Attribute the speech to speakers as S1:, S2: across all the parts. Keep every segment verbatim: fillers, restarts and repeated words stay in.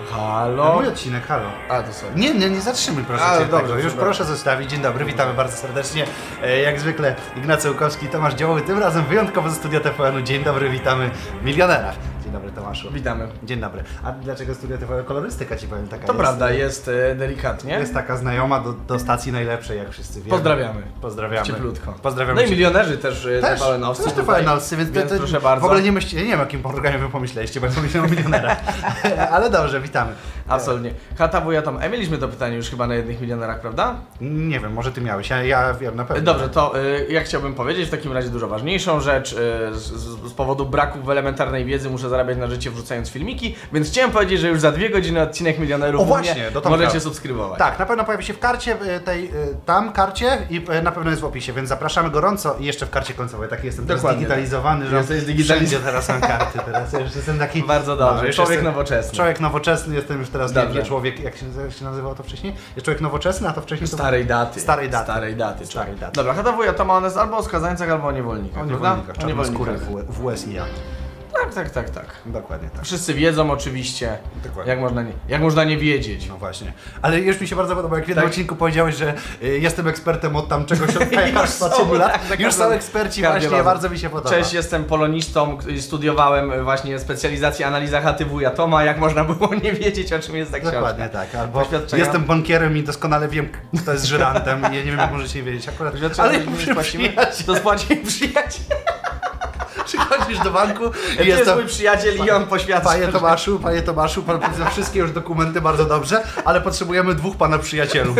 S1: Halo?
S2: Mój odcinek, halo.
S1: A, to sorry.
S2: Nie, nie, nie zatrzymuj proszę
S1: A,
S2: cię
S1: dobrze,
S2: tego. Już
S1: dobrze.
S2: proszę zostawić. Dzień dobry, witamy bardzo serdecznie. E, Jak zwykle Ignacy Łukowski, Tomasz Dziołowy, tym razem wyjątkowo ze studia T V N-u. Dzień dobry, witamy w Milionerach. Dzień dobry, Tomaszu.
S1: Witamy.
S2: Dzień dobry. A dlaczego studia T V N? Kolorystyka ci powiem taka
S1: To
S2: jest.
S1: prawda, jest e, delikatnie.
S2: Jest taka znajoma do, do stacji najlepszej, jak wszyscy wiemy.
S1: Pozdrawiamy.
S2: Pozdrawiamy.
S1: Cieplutko.
S2: Pozdrawiamy.
S1: No i milionerzy też, e,
S2: Też,
S1: T V N-owscy
S2: też T V
S1: tutaj,
S2: N-owscy, więc,
S1: więc
S2: to, to,
S1: proszę bardzo.
S2: w ogóle nie myślcie, nie wiem o jakim programie wy pomyśleliście, bo ja pomyślałem o milionerach. Ale dobrze, witamy.
S1: Absolutnie. Hata wuja Tom. E, mieliśmy to pytanie już chyba na jednych milionerach, prawda?
S2: Nie wiem, może ty miałeś, ja, ja wiem na pewno.
S1: Dobrze, to y, ja chciałbym powiedzieć w takim razie dużo ważniejszą rzecz. Y, z, z, z powodu braku w elementarnej wiedzy muszę zarabiać na życie wrzucając filmiki, więc chciałem powiedzieć, że już za dwie godziny odcinek Milionerów
S2: O,
S1: u
S2: właśnie,
S1: mnie
S2: do Tomka.
S1: możecie subskrybować.
S2: Tak, na pewno pojawi się w karcie y, tej, y, tam karcie i y, na pewno jest w opisie, więc zapraszamy gorąco i jeszcze w karcie końcowej. Taki jestem teraz
S1: Dokładnie.
S2: digitalizowany, że
S1: Jesteś digitaliz-
S2: wszędzie teraz mam karty, teraz ja już jestem taki...
S1: Bardzo dobrze,
S2: już
S1: człowiek
S2: jestem,
S1: nowoczesny.
S2: Człowiek nowoczesny, jestem już teraz nie,
S1: Dobrze.
S2: nie człowiek, jak się, jak się nazywało to wcześniej? Jest człowiek nowoczesny, a to wcześniej to...
S1: Starej daty.
S2: Starej daty.
S1: Starej daty.
S2: Starej
S1: człowiek.
S2: daty.
S1: Dobra, Hata wuja Toma, on jest albo o skazańcach, albo o niewolnikach,
S2: O
S1: prawda?
S2: niewolnikach,
S1: O
S2: czarnoskórych
S1: niewolnikach.
S2: w, w U S I A.
S1: Tak, tak, tak, tak.
S2: Dokładnie tak.
S1: Wszyscy wiedzą oczywiście,
S2: Dokładnie.
S1: jak można, nie, jak można nie wiedzieć.
S2: No właśnie. Ale już mi się bardzo podoba, jak w jednym
S1: Tak.
S2: odcinku powiedziałeś, że y, jestem ekspertem od tam czegoś od lekarstwa
S1: są,
S2: lat.
S1: tak, tak,
S2: Już są
S1: tak.
S2: eksperci
S1: Każdy
S2: właśnie,
S1: razem.
S2: bardzo mi się podoba.
S1: Cześć, jestem polonistą, k- studiowałem właśnie specjalizację analiza chaty wuja Toma, jak można było nie wiedzieć, o czym jest ta książka.
S2: Dokładnie tak, albo
S1: Poświadczenia.
S2: jestem bankierem i doskonale wiem, kto jest żyrantem i ja nie wiem, jak możecie wiedzieć akurat.
S1: Poświadczenia,
S2: Ale
S1: że nie
S2: przy
S1: spłacimy,
S2: przyjaciel,
S1: to spłaci przyjaciel.
S2: przychodzisz do banku
S1: To
S2: i
S1: jest
S2: jest
S1: mój przyjaciel i on poświadcza.
S2: Panie Tomaszu, panie Tomaszu, pan potwierdza wszystkie już dokumenty bardzo dobrze, ale potrzebujemy dwóch pana przyjacielów.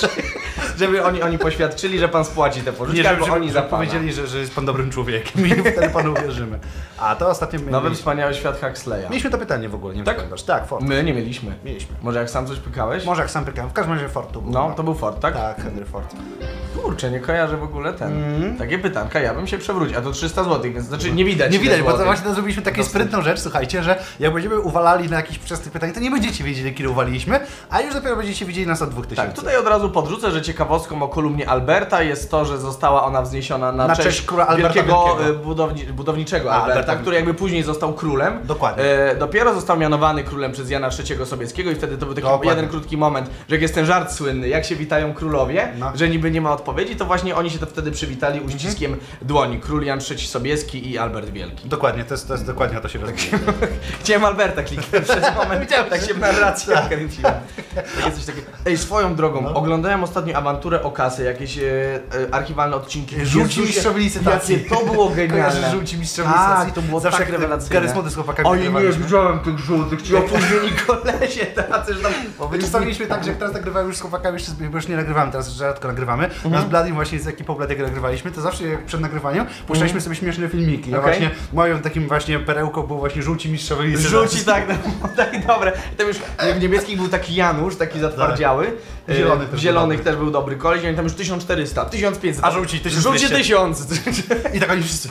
S1: Żeby oni, oni poświadczyli, że pan spłaci te pożyczki,
S2: Nie,
S1: albo
S2: żeby,
S1: oni za
S2: żeby
S1: pana.
S2: powiedzieli, że, że jest pan dobrym człowiekiem i wtedy panu uwierzymy. A to ostatnio
S1: Nowy
S2: mieliśmy,
S1: wspaniały świat Huxleya.
S2: mieliśmy to pytanie w ogóle, nie wiem,
S1: Tak?
S2: czy pamiętasz. Tak, Ford.
S1: My nie mieliśmy.
S2: Mieliśmy.
S1: Może jak sam coś pykałeś?
S2: Może jak sam pykałem, w każdym razie Ford tu był.
S1: No, to był Ford, tak?
S2: Tak, Henry Ford.
S1: Kurczę, nie kojarzę w ogóle ten.
S2: Mm.
S1: Takie pytanka, ja bym się przewrócił. A to trzysta złotych, więc znaczy nie widać.
S2: Nie
S1: ile
S2: widać, bo to
S1: złotych.
S2: właśnie to zrobiliśmy taką
S1: Dosyć.
S2: sprytną rzecz, słuchajcie, że jak będziemy uwalali na jakieś przesnych pytań, to nie będziecie wiedzieli, kiedy uwaliliśmy, a już dopiero będziecie widzieli nas od dwóch tysięcy.
S1: Tak, tutaj od razu podrzucę, że ciekawostką o kolumnie Alberta jest to, że została ona wzniesiona na,
S2: Na cześć króla Alberta
S1: wielkiego,
S2: Wielkiego.
S1: e, budowni, budowniczego
S2: A,
S1: Alberta,
S2: Alberta.
S1: który jakby później został królem.
S2: Dokładnie.
S1: E, dopiero został mianowany królem przez Jana trzeciego Sobieskiego i wtedy to był taki
S2: Dokładnie.
S1: jeden krótki moment, że jak jest ten żart słynny, jak się witają królowie,
S2: No.
S1: że niby nie ma odpowiedzi, to właśnie oni się to wtedy przywitali uściskiem
S2: Mhm.
S1: dłoni. Król Jan trzeci Sobieski i Albert Wielki.
S2: Dokładnie, to jest, to jest dokładnie o to się rozumie.
S1: Chciałem Alberta kliknąć przez moment, widziałem, tak się w narracji kręciłem. Takie coś takiego. Ej, swoją drogą,
S2: No.
S1: oglądałem ostatnio awanturę o kasę, jakieś e, e, archiwalne odcinki.
S2: Żółci
S1: Jezusie,
S2: mistrzowie licytacji.
S1: jakie to było genialne.
S2: Kojarzysz żółci mistrzowie
S1: Tak,
S2: licytacji?
S1: to było
S2: Zawsze
S1: tak
S2: jak
S1: rewelacyjne.
S2: Garys Młody z chłopakami
S1: Oj, nie,
S2: nagrywaliśmy.
S1: widziałem tych żółtych, ci opóźnieni kolesie, tacy, że tam...
S2: Bo my czasami tak, że jak teraz nagrywamy już z chłopakami, jeszcze, bo już nie nagrywamy, teraz rzadko nagrywamy. Mhm. Nas z Bladim właśnie z ekipą Bladiego nagrywaliśmy, to zawsze jak przed nagrywaniem puszczaliśmy sobie śmieszne filmiki. Ja
S1: Okej.
S2: właśnie moją takim właśnie perełką był właśnie żółci mistrzowie licytacji.
S1: Żółci, tak, no, tak, dobre. I tam już w niebieskich był taki Janusz, taki zatwardziały.
S2: W zielonych
S1: E,
S2: też
S1: w zielonych
S2: był
S1: też był dobry koleś, i oni tam już tysiąc czterysta, tysiąc pięćset.
S2: A żółci tysiąc dwieście.
S1: Żółci tysiąc.
S2: I tak oni wszyscy.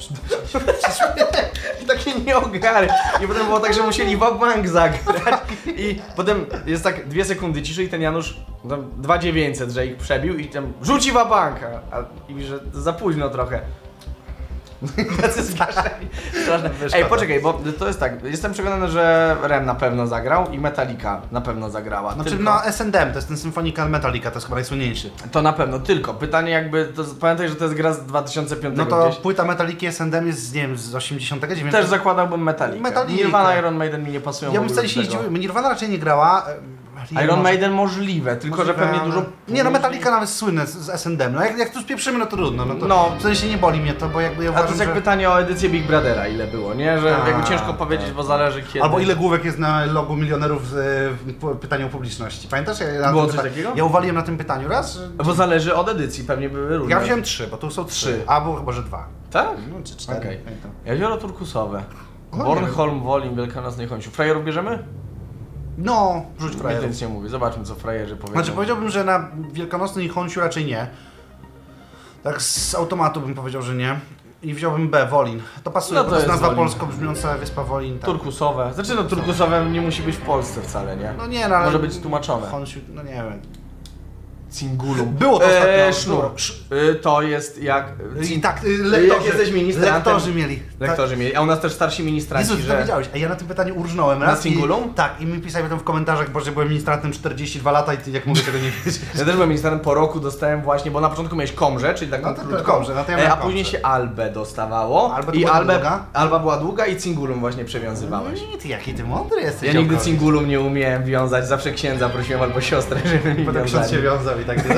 S1: I takie nieogary. I potem było tak, że musieli Wagbank zagrać. I potem jest tak dwie sekundy ciszy i ten Janusz tam dwa tysiące dziewięćset, że ich przebił i tam rzuci Wagbanka. A i że za późno trochę. Tacy zgaszeni. Straszne. Ej, poczekaj, bo to jest tak, jestem przekonany, że Rem na pewno zagrał i Metallica na pewno zagrała.
S2: Znaczy
S1: tylko...
S2: no S and M, to jest ten Symphonical Metallica, to jest chyba najsłynniejszy.
S1: To na pewno, tylko pytanie jakby, to pamiętaj, że to jest gra z dwa tysiące piątego
S2: No to
S1: gdzieś.
S2: płyta Metallica S and M jest z, nie wiem, z osiemdziesiątego dziewiątego.
S1: Też zakładałbym Metallica.
S2: Metallica.
S1: Nirvana, Iron Maiden mi nie pasują.
S2: Ja
S1: w
S2: bym
S1: ogóle
S2: wcale się nie
S1: do tego.
S2: zdziwił, Nirvana raczej nie grała.
S1: Iron
S2: może-
S1: Maiden możliwe, tylko że
S2: możliwe,
S1: pewnie
S2: ale-
S1: dużo...
S2: Nie no, Metallica nawet słynne z, z S and M, no jak, jak tu spieprzymy, no to trudno, no to
S1: No.
S2: w sensie nie boli mnie to, bo jakby ja
S1: A to
S2: uważam,
S1: jest jak
S2: że...
S1: pytanie o edycję Big Brothera, ile było, nie? Że
S2: Tak,
S1: jakby ciężko powiedzieć,
S2: tak.
S1: bo zależy kiedy.
S2: Albo ile główek jest na logu milionerów z e, p- pytaniu o publiczności. Pamiętasz? Ja, na
S1: Było
S2: tym
S1: coś
S2: pyta-
S1: takiego?
S2: Ja uwaliłem na tym pytaniu raz. Że...
S1: Bo zależy od edycji, pewnie były różne.
S2: Ja wziąłem trzy, bo tu są trzy,
S1: Trzy.
S2: a było chyba, że dwa.
S1: Tak?
S2: No czy cztery.
S1: Okej.
S2: pamiętam.
S1: Jezioro turkusowe.
S2: O, nie
S1: Bornholm, Wolim, Wielkanocnej Chońsiu. Frajerów bierzemy?
S2: No, rzuć
S1: Ja
S2: frajerów.
S1: nic nie mówię, zobaczmy co frajerzy powiedzą.
S2: Znaczy powiedziałbym, że na Wielkanocny i Chońsiu raczej nie. Tak z automatu bym powiedział, że nie. I wziąłbym B, Wolin. To pasuje,
S1: No
S2: bo
S1: to
S2: to jest
S1: jest
S2: nazwa
S1: Wolin.
S2: polsko brzmiąca wyspa Wolin. Tak.
S1: Turkusowe. Znaczy no turkusowe nie musi być w Polsce wcale, nie?
S2: No nie, no ale...
S1: Może być tłumaczone.
S2: Chońsiu, no nie wiem.
S1: Cingulum.
S2: Było to ostatnio.
S1: Eee, sznur. Yy, to jest jak...
S2: I tak, y, lektorzy,
S1: jak jesteś ministrantem.
S2: lektorzy mieli.
S1: Lektorzy mieli, a u nas też starsi ministranci,
S2: Jezus,
S1: że...
S2: to wiedziałeś, a ja na tym pytaniu urżnąłem
S1: Na
S2: raz.
S1: Cingulum?
S2: I, tak, i mi pisali tam w komentarzach, bo że byłem ministrantem czterdzieści dwa lata i ty, jak mogę tego nie wiedzieć.
S1: Ja też byłem ministrantem, po roku dostałem właśnie, bo na początku miałeś komrze, czyli taką
S2: No to- to
S1: krótką,
S2: komrze, no to ja
S1: e,
S2: miałem
S1: a później
S2: komrze.
S1: się albę dostawało.
S2: Alba to
S1: i
S2: była
S1: albę,
S2: długa?
S1: alba była długa i cingulum właśnie przewiązywałeś.
S2: Nie, ty jaki ty mądry jesteś.
S1: Ja nigdy
S2: działkowy.
S1: cingulum nie umiałem wiązać, zawsze księdza prosiłem albo siostrę, żeby mi
S2: Potem ksiądz się
S1: wiązali.
S2: wiązał i tak.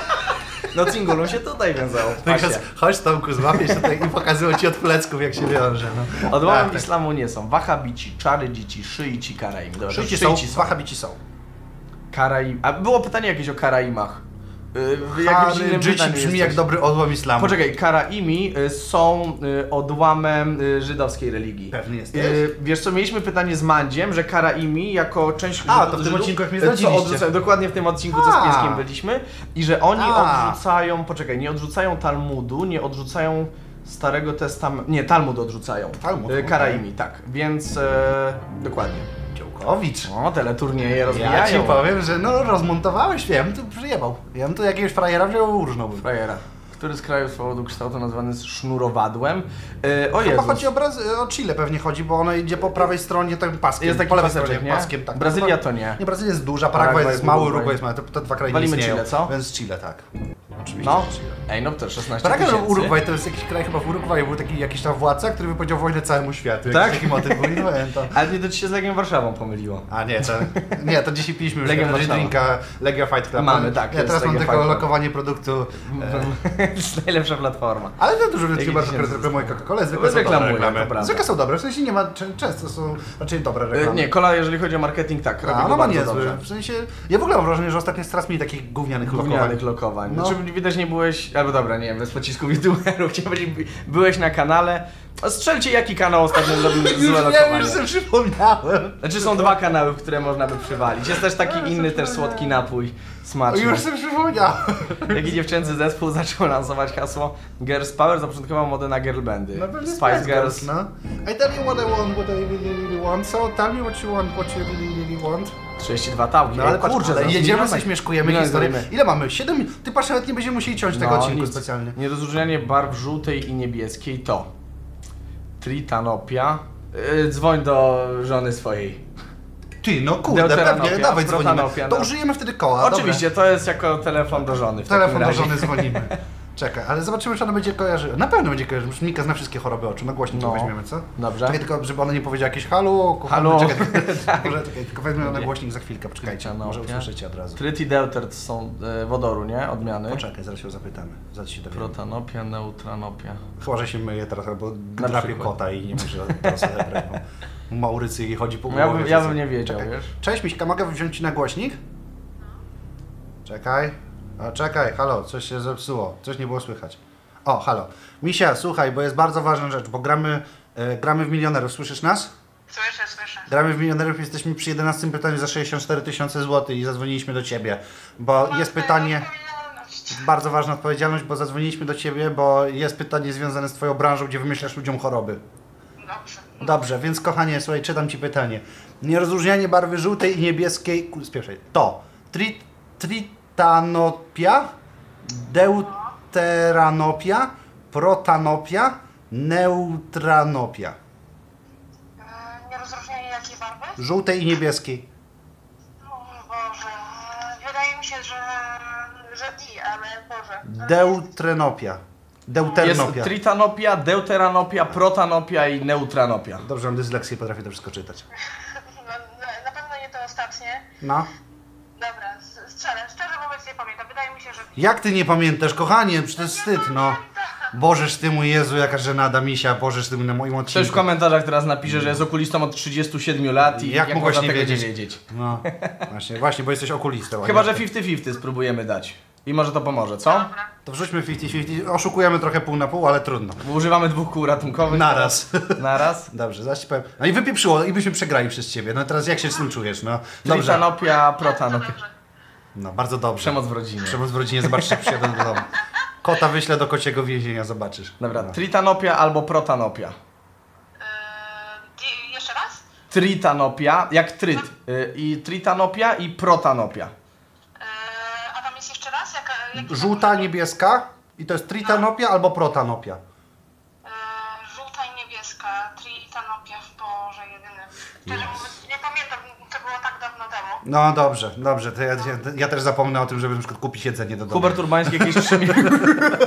S1: No cingulum się tutaj wiązało, w
S2: Tak,
S1: pasie.
S2: chodź Tomku, złapię się tutaj i pokazują ci od plecków, jak się wiąże. No.
S1: Odłamem
S2: Tak, tak.
S1: islamu nie są wahabici, czarydzici, szyici, karaim. Dobra,
S2: Szyici
S1: szyici
S2: są, wahabici są.
S1: Karaim. A było pytanie jakieś o Karaimach. Yy, w jakimś innym
S2: Harydżyci
S1: pytaniu
S2: brzmi
S1: jesteś.
S2: jak dobry odłam islamu.
S1: Poczekaj, Karaimi y, są y, odłamem y, żydowskiej religii.
S2: Pewny jesteś?
S1: Y, wiesz co, mieliśmy pytanie z Mandziem, że Karaimi jako część
S2: A,
S1: Żydów-
S2: to w tym
S1: Żydów,
S2: odcinku jak mnie
S1: y, co
S2: zdradziliście.
S1: odrzucają, dokładnie w tym odcinku, co z
S2: A.
S1: Pieskiem byliśmy. I że oni
S2: A.
S1: odrzucają, poczekaj, nie odrzucają Talmudu, nie odrzucają Starego Testamentu, nie, Talmud odrzucają.
S2: Talmud,
S1: Y,
S2: okej.
S1: Karaimi, tak, więc e, dokładnie.
S2: Działkowicz.
S1: O, teleturnieje
S2: Ja
S1: rozwijają.
S2: ci powiem, że no rozmontowałeś, ja bym tu przyjebał. Ja bym tu jakiegoś frajera wziął urżnąłbym.
S1: Frajera. Który z krajów z powodu kształtu nazwany jest sznurowadłem? Yy, o
S2: Chyba
S1: Jezus.
S2: chodzi o, Brazy- o Chile pewnie chodzi, bo ona idzie po prawej stronie tym paskiem.
S1: Jest taki
S2: po lewej
S1: paseczek,
S2: stronie
S1: nie?
S2: paskiem, tak.
S1: Brazylia
S2: Chyba-
S1: to nie.
S2: Nie, Brazylia jest duża,
S1: Paragwaj,
S2: Paragwaj jest mały,
S1: Urugwaj.
S2: Uruguay jest mały, to, to dwa kraje
S1: Walimy
S2: nie istnieją.
S1: Chile, co?
S2: Więc Chile, tak. Oczywiście,
S1: No.
S2: że Chile.
S1: Ej, no to szesnaście
S2: Paragwaj
S1: tysięcy.
S2: Urugwaj to jest jakiś kraj, chyba w Urugwaju był taki jakiś tam władca, który wypowiedział wojnę całemu światu.
S1: Tak?
S2: Jakiś taki motyw był i no, to...
S1: Ale nie, to ci się z Legią Warszawą pomyliło.
S2: A nie, to, nie, to dzisiaj piliśmy już
S1: Legia
S2: Legia
S1: Warszawa.
S2: drinka Legia Fight Club.
S1: Mamy, tak,
S2: Ja
S1: jest
S2: teraz mam
S1: Legia
S2: tylko
S1: Fight Club.
S2: lokowanie produktu. E,
S1: To jest najlepsza platforma.
S2: ale to dużo ludzi
S1: Jakie
S2: chyba
S1: tysiące
S2: reklamuje Coca-Cola, zwykle są
S1: Reklamują,
S2: dobre reklamy.
S1: to prawda.
S2: Zwykle są dobre, w sensie nie ma, czę- często są raczej dobre
S1: Yy,
S2: reklamy.
S1: nie, Kola, jeżeli chodzi o marketing, tak, robi
S2: A,
S1: go
S2: no ma
S1: bardzo
S2: niezły.
S1: dobrze.
S2: W sensie, ja w ogóle mam wrażenie, że ostatnio jest coraz mniej takich gównianych lokowań.
S1: Gównianych lokowań.
S2: No.
S1: Znaczy, widać nie byłeś, albo dobra, nie wiem, bez pocisków youtuberów, chciałem powiedzieć, byłeś na kanale. A strzelcie, jaki kanał ostatnio zrobił
S2: Już,
S1: złe
S2: ja
S1: lokowanie.
S2: już sobie przypomniałem.
S1: Znaczy są dwa kanały, w które można by przywalić. Jest też taki inny, też słodki napój, smaczny.
S2: Już sobie przypomniałem.
S1: Jaki dziewczęcy zespół zaczął lansować hasło Girls Power, zapoczątkował modę na girl bandy.
S2: No pewnie
S1: Spice Girls.
S2: no. I tell you what I want, what I really, really want, so tell me what you want, what you really, really want.
S1: trzydzieści dwa tałki.
S2: No ale
S1: Ej,
S2: patrz,
S1: kurczę,
S2: ale
S1: zaraz
S2: jedziemy,
S1: milion-
S2: sobie śmieszkujemy
S1: milion
S2: historię.
S1: zrobimy.
S2: Ile mamy? siedem minut? Ty patrz, nawet nie będziemy musieli ciąć tego
S1: No,
S2: odcinku
S1: nic.
S2: specjalnie.
S1: Nierozróżnianie barw żółtej i niebieskiej to tritanopia. Yy, dzwoń do żony swojej.
S2: Ty, no kurde,
S1: Deuteranopia,
S2: pewnie, dawaj dzwonimy.
S1: protanopia,
S2: To
S1: no.
S2: użyjemy wtedy koła,
S1: Oczywiście, to jest jako telefon do żony w
S2: Dobra. Telefon do
S1: takim razie.
S2: żony dzwonimy. Czekaj, ale zobaczymy, czy ona będzie kojarzyła. Na pewno będzie kojarzyła, Mika zna wszystkie choroby oczu, na głośnik
S1: No.
S2: to weźmiemy, co?
S1: Dobrze.
S2: Czekaj, tylko żeby ona nie powiedziała jakieś halo, kochany,
S1: Halo.
S2: czekaj,
S1: Tak.
S2: może, czekaj, tylko weźmiemy na
S1: Nie.
S2: głośnik za chwilkę, poczekajcie, może
S1: Tritanopia.
S2: usłyszycie od razu.
S1: Tryt i deuter to są e, wodoru, nie? Odmiany.
S2: Poczekaj, zaraz się zapytamy, zaraz się dowiemy.
S1: Protanopia, neutranopia.
S2: Chyba, że się myje teraz, albo
S1: Na
S2: drapie
S1: przykład.
S2: kota i nie może teraz odebrać, bo Maurycy jej chodzi po
S1: No ja
S2: głowie.
S1: bym- ja
S2: że-
S1: bym nie wiedział,
S2: Czekaj.
S1: wiesz?
S2: Cześć Miśka, mogę wziąć ci na głośnik? Czekaj. O, czekaj, halo, coś się zepsuło, coś nie było słychać. O, halo. Misia, słuchaj, bo jest bardzo ważna rzecz, bo gramy, e, gramy w milionerów, słyszysz nas?
S3: Słyszę, słyszę.
S2: Gramy w milionerów, jesteśmy przy jedenastym pytaniu za sześćdziesiąt cztery tysiące złotych i zadzwoniliśmy do Ciebie, bo jest pytanie, bardzo ważna odpowiedzialność, bo zadzwoniliśmy do Ciebie, bo jest pytanie związane z Twoją branżą, gdzie wymyślasz ludziom choroby.
S3: Dobrze.
S2: Dobrze, więc kochanie, słuchaj, czytam Ci pytanie. Nierozróżnianie barwy żółtej i niebieskiej, ku- z pierwszej, to tri, tritanopia, deuteranopia, protanopia, neutranopia.
S3: E, Nierozróżnienie jakiej barwy?
S2: Żółtej i niebieskiej.
S3: O Boże. Wydaje mi się, że... że di, ale Boże.
S2: Deuteranopia.
S1: Jest
S2: Deuteranopia.
S1: tritanopia, deuteranopia, protanopia i neutranopia.
S2: Dobrze, mam dysleksję, potrafię to wszystko czytać.
S3: No, na- na pewno nie to ostatnie.
S2: No.
S3: Dobra, s- strzelę. Szczerze mówiąc nie pamiętam. Wydaje mi się, że di.
S2: Jak Ty nie pamiętasz, kochanie? Przecież to jest wstyd, no. Bożeż Ty mój Jezu, jaka żenada misia, Bożeż Ty mój na moim
S1: Ktoś w
S2: odcinku.
S1: komentarzach teraz napisze, że jest okulistą od trzydziestu siedmiu lat i
S2: Jak
S1: jak,
S2: mogłeś
S1: można
S2: nie
S1: tego
S2: wiedzieć?
S1: nie wiedzieć.
S2: No, właśnie, właśnie, bo jesteś okulistą. a
S1: Chyba,
S2: nie-
S1: że pięćdziesiąt pięćdziesiąt spróbujemy dać. I może to pomoże, co?
S3: Dobra.
S2: To wrzućmy pięćdziesiąt pięćdziesiąt, oszukujemy trochę pół na pół, ale trudno.
S1: Bo używamy dwóch kół ratunkowych.
S2: Naraz.
S1: Naraz.
S2: Dobrze, zaraz ci powiem. No i wypieprzyło, i byśmy przegrali przez ciebie. No teraz jak się z tym czujesz, no? Dobrze.
S1: Tritanopia, protanopia.
S3: Dobrze.
S2: No, bardzo dobrze.
S1: Przemoc w rodzinie.
S2: Przemoc w rodzinie, zobaczysz, jak przyjadę do domu. Kota wyślę do kociego więzienia, zobaczysz.
S1: Dobra,
S2: No.
S1: tritanopia albo protanopia.
S3: E, di, jeszcze raz?
S1: Tritanopia, jak tryt. Y, I tritanopia i protanopia.
S3: E, a tam jest jeszcze raz? Jaki
S2: Żółta,
S3: kolor?
S2: niebieska i to jest tritanopia albo protanopia.
S3: E, żółta i niebieska, tritanopia w porze jedynym. Szczerze mówiąc, nie pamiętam, to było tak dawno temu.
S2: No dobrze, dobrze, to ja, ja, ja też zapomnę o tym, żeby na przykład kupić jedzenie do domu.
S1: Hubert Urbański jakieś trzy minuty.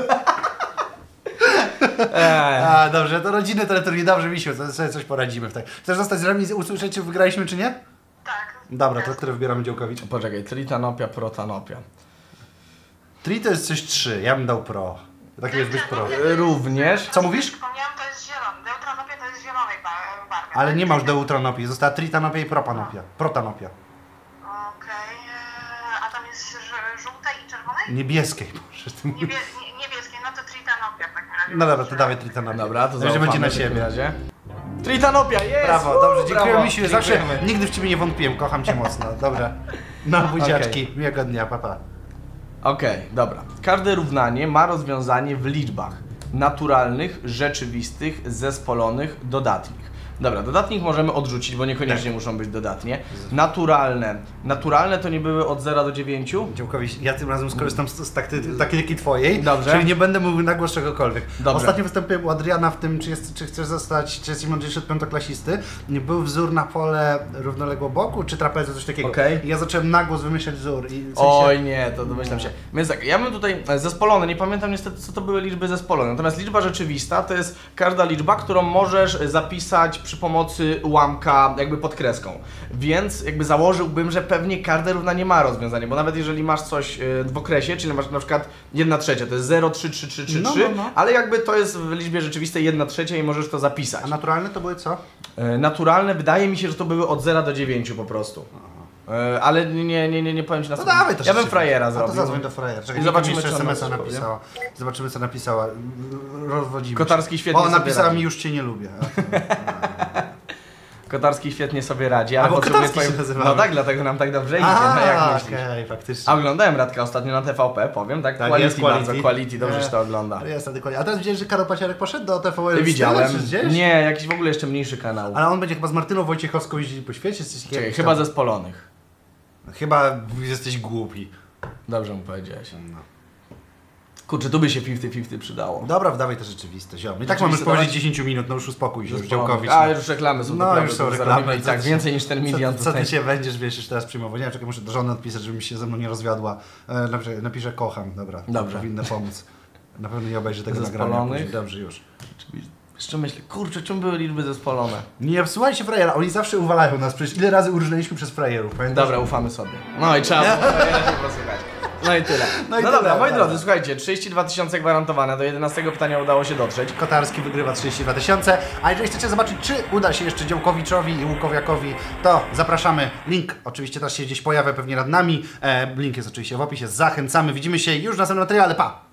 S1: Eee.
S2: A, dobrze, to rodziny teleturniej, dobrze, Misiu, to sobie coś poradzimy w tak. Chcesz zostać z nami i usłyszeć, czy wygraliśmy, czy nie?
S3: Tak.
S2: Dobra, to które wybieramy Działkowicz?
S1: Poczekaj, tritanopia, protanopia.
S2: Tri to jest coś trzy, ja bym dał pro. Tak jest być pro.
S1: E, Również.
S2: Co mówisz?
S3: Przypomniałam, to jest zielony. Deuteranopia to jest zielonej ba- barwy.
S2: Ale nie ma już deuteranopii, została tritanopia i propanopia. Protanopia.
S3: Okej, e, a tam jest ż- żółtej i czerwonej?
S2: Niebieskiej, proszę. Ty
S3: Niebie- nie- niebieskiej, no to tritanopia w takim razie.
S2: No dobra, to dawaj tritanopię.
S1: Dobra, to
S2: że
S1: zaufamy
S2: będzie na
S1: w takim
S2: siebie.
S1: razie. Tritanopia, jest!
S2: Brawo, dobrze, dziękuję
S1: Brawo,
S2: Misiu, zawsze
S1: dziękujemy.
S2: nigdy w Ciebie nie wątpiłem, kocham Cię mocno, dobra. No buziaczki, miłego dnia, pa pa.
S1: Okej, dobra. Każde równanie ma rozwiązanie w liczbach naturalnych, rzeczywistych, zespolonych, dodatnich. Dobra, dodatnich możemy odrzucić, bo niekoniecznie
S2: Tak.
S1: muszą być dodatnie. Naturalne. Naturalne to nie były od zera do dziewięciu?
S2: Działkowicz, ja tym razem skorzystam z, z takty, taktyki Twojej,
S1: Dobrze.
S2: czyli nie będę mówił na głos czegokolwiek.
S1: Dobrze.
S2: Ostatnio wystąpiłem u Adriana w tym, czy, jest, czy chcesz zostać, czy jesteś mądrzejszy od piątoklasisty. Nie był wzór na pole równoległo boku, czy trapezy, coś takiego.
S1: Okej.
S2: I ja zacząłem na głos wymyślać wzór. I w sensie...
S1: Oj nie, to domyślam się. Więc tak, ja bym tutaj e, zespolone, nie pamiętam niestety co to były liczby zespolone, natomiast liczba rzeczywista to jest każda liczba, którą możesz zapisać przy pomocy ułamka jakby pod kreską. Więc jakby założyłbym, że pewnie każde równanie ma rozwiązanie, bo nawet jeżeli masz coś e, w okresie, czyli masz na przykład jedna trzecia, to jest zero, trzy, trzy, trzy, trzy,
S2: No,
S1: trzy,
S2: no, no.
S1: ale jakby to jest w liczbie rzeczywistej jedna trzecia i możesz to zapisać.
S2: A naturalne to były co?
S1: E, Naturalne wydaje mi się, że to były od zera do dziewięciu po prostu. E, Ale nie, nie, nie, nie powiem ci na
S2: No
S1: co.
S2: dawaj to
S1: Ja bym
S2: szybciej.
S1: frajera
S2: A to
S1: zrobił.
S2: zadzwoń do frajera. Czekaj,
S1: I zobaczymy,
S2: jeszcze
S1: czy ona
S2: es em es a
S1: coś powie.
S2: napisała. Zobaczymy, co napisała. Rozwodzimy
S1: Kotarski
S2: się.
S1: świetnie
S2: O,
S1: sobie
S2: napisała
S1: radzi.
S2: mi, już Cię nie lubię.
S1: Kotarski świetnie sobie radzi, ale
S2: A, bo
S1: potrzebuje
S2: Kotarski się
S1: swoim...
S2: nazywa.
S1: No tak, dlatego nam tak dobrze idzie,
S2: A,
S1: no jak
S2: okej,
S1: myślisz?
S2: faktycznie.
S1: A oglądałem Radka ostatnio na T V P, powiem, tak?
S2: Tak,
S1: quality,
S2: jest quality.
S1: bardzo, quality, dobrze
S2: Nie.
S1: się to ogląda.
S2: Jest, dokładnie. A teraz widziałeś, że Karol Paciarek poszedł do T V N?
S1: Ty widziałem?
S2: Czy gdzieś?
S1: Nie, jakiś w ogóle jeszcze mniejszy kanał.
S2: Ale on będzie chyba z Martyną Wojciechowską jeździli po świecie? Jesteś
S1: Czekaj,
S2: jakiś
S1: chyba
S2: tam-
S1: zespolonych.
S2: Chyba jesteś głupi.
S1: Dobrze mu powiedziałeś.
S2: No.
S1: Kurczę, tu by się pięćdziesiąt pięćdziesiąt przydało.
S2: Dobra, wdawaj to rzeczywiste, ziom. I tak mamy już
S1: Rzeczywiste,
S2: powyżej
S1: dawaj.
S2: dziesięć minut, no już uspokój się, już
S1: Zespolonych.
S2: Działkowicz.
S1: A,
S2: no.
S1: już reklamy są,
S2: No,
S1: naprawdę,
S2: już są
S1: to
S2: reklamy.
S1: zarobimy i
S2: Co
S1: tak
S2: ty-
S1: więcej niż ten milion
S2: Co, co ty
S1: tutaj.
S2: się będziesz, wiesz, już teraz przyjmował? Nie wiem, czekaj, muszę do żony odpisać, żeby mi się ze mną nie rozwiodła. E, napiszę, napiszę kocham, dobra.
S1: Dobrze.
S2: Powinno pomóc. Na pewno nie obejrzy tego
S1: Zespolonych.
S2: nagrania później. Dobrze, już.
S1: Jeszcze myślę, kurczę, czym były liczby zespolone?
S2: Nie słuchajcie frajera, oni zawsze uwalają nas, przecież ile razy urżnęliśmy przez frajerów, pamiętasz?
S1: Dobra, ufamy sobie. No i trzeba było się posłuchać. No i tyle.
S2: No
S1: No,
S2: i
S1: dobra,
S2: tyle,
S1: moi
S2: dobra.
S1: drodzy, słuchajcie, trzydzieści dwa tysiące gwarantowane, do jedenastego pytania udało się dotrzeć.
S2: Kotarski wygrywa trzydzieści dwa tysiące, a jeżeli chcecie zobaczyć, czy uda się jeszcze Działkowiczowi i Łukowiakowi, to zapraszamy. Link oczywiście też się gdzieś pojawia pewnie nad nami. E, link jest oczywiście w opisie. Zachęcamy. Widzimy się już w następnym materiale. Pa!